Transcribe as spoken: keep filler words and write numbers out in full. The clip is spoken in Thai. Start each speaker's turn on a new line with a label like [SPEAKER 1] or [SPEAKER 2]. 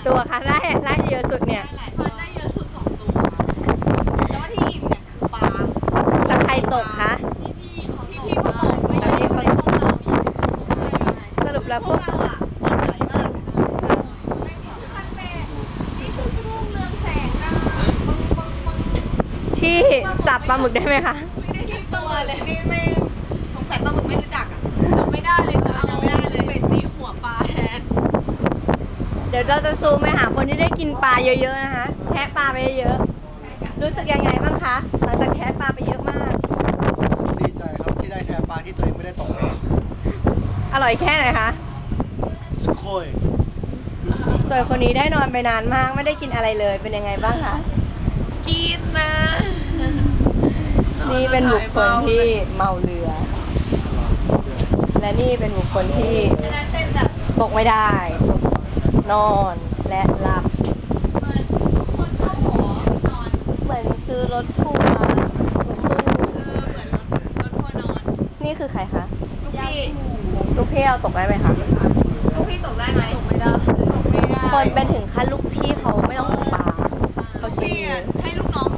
[SPEAKER 1] ตัวคะได้ได้เยอะสุดเนี่ย
[SPEAKER 2] พันได้เยอะสุดสองตัวแล้วว่าที่อิ่มเนี่ยคือปลา
[SPEAKER 1] แล้วใครตกคะ
[SPEAKER 2] พี่พี่เขาพี่พี่เขาตกไม่ได้พวกเรา
[SPEAKER 1] สรุปแล้วพวก
[SPEAKER 2] เราอ่ะตกใหญ่มากพันแปดนี่คือรุ่งเรืองแสงนะ
[SPEAKER 1] ที่จับปลาหมึกได้ไหมคะ
[SPEAKER 2] ไม่ได้ที่ตัวเลยนี่ไม่สงสัยปลาหมึกไม่รู้จักอ่ะจำไม่ได้เลยค่ะจำไม่ได้เลยเป็ดตีหัวปลาแทน
[SPEAKER 1] เดี๋ยวเราจะซูมไปหาคนที่ได้กินปลาเยอะๆนะคะแคะปลาไปเยอะๆรู้สึกยังไงบ้างคะหลังจากแคะปลาไปเยอะมาก
[SPEAKER 3] ดีใจครับที่ได้แทนปลาที่ตัวเองไม่ได้ตกเอง
[SPEAKER 1] อร่อยแค่ไหนคะ
[SPEAKER 3] สุโขย
[SPEAKER 1] ส่วนคนนี้ได้นอนไปนานมากไม่ได้กินอะไรเลยเป็นยังไงบ้างคะ
[SPEAKER 2] กินนะ
[SPEAKER 1] นี่เป็นบุคคลที่เมาเรือและนี่เป็นบุคคลที่ตกไม่ได้นอนและหลับเหมือนซื้อรถทัวร์รถตู้นี่คือใครคะ
[SPEAKER 2] ลูกพี่
[SPEAKER 1] ลูกพี่เราตกได้ไหมคะ
[SPEAKER 2] ลูกพี่ตกได้ไหมตกไม่ได้ตกไม่ได้
[SPEAKER 1] คนเป็นถึงขั้นลูกพี่เขาไม่ต้องตกปลาเขาชี้
[SPEAKER 2] ให้ลูกน้อง